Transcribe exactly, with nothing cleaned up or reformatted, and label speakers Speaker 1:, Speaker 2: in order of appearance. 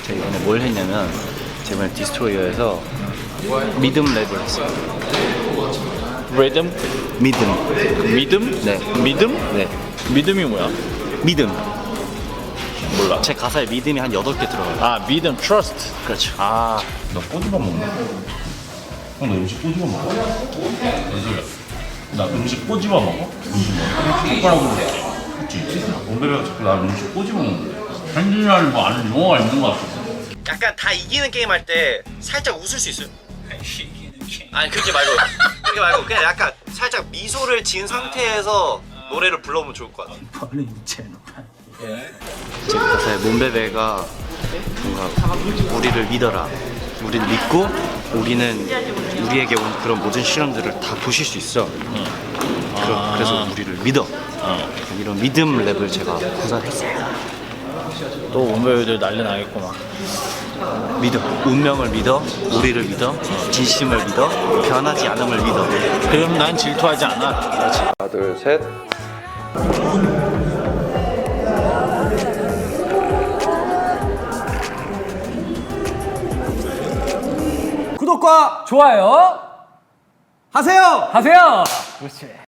Speaker 1: 제가 이번에 뭘 했냐면 제가 이번에 디스트로이어에서 미듬 랩을 했어요.
Speaker 2: 리듬?
Speaker 1: 미듬.
Speaker 2: 믿음?
Speaker 1: 네.
Speaker 2: 믿음?
Speaker 1: 네.
Speaker 2: 믿음이 뭐야?
Speaker 1: 미듬.
Speaker 2: 몰라.
Speaker 1: 제 가사에 믿음이 한 여덟 개 들어가요.
Speaker 2: 아 믿음, trust.
Speaker 1: 그렇죠.
Speaker 2: 아
Speaker 3: 너 꼬집어 먹나? 형, 너 음식 꼬집어 먹어? 무슨 소리야? 나 음식 꼬집어 먹어? 음식 먹어? 똑바로 그랬지? 원배배가 자꾸 나 음식 꼬집어 먹는데 현진이라는 뭐 아는 용어가 있는 것 같아.
Speaker 1: 약간 다 이기는 게임 할 때 살짝 웃을 수 있어요. 아니 그렇게 말고 그렇게 말고 그냥 약간 살짝 미소를 지은 상태에서 노래를 불러보면 좋을 것 같아. 제 가사에 몬베베가 뭔가 우리를 믿어라, 우리를 믿고 우리는 우리에게 온 그런 모든 시련들을 다 보실 수 있어. 그러, 그래서 우리를 믿어. 이런 믿음 랩을 제가 구사했어요.
Speaker 2: 또 원배우들 난리 나겠구만.
Speaker 1: 믿어. 운명을 믿어. 우리를 믿어. 진심을 믿어. 변하지 않음을 믿어.
Speaker 2: 그럼 난 질투하지 않아. 그렇지.
Speaker 1: 하나, 둘, 셋.
Speaker 4: 구독과 좋아요 하세요.
Speaker 5: 하세요. 그렇지.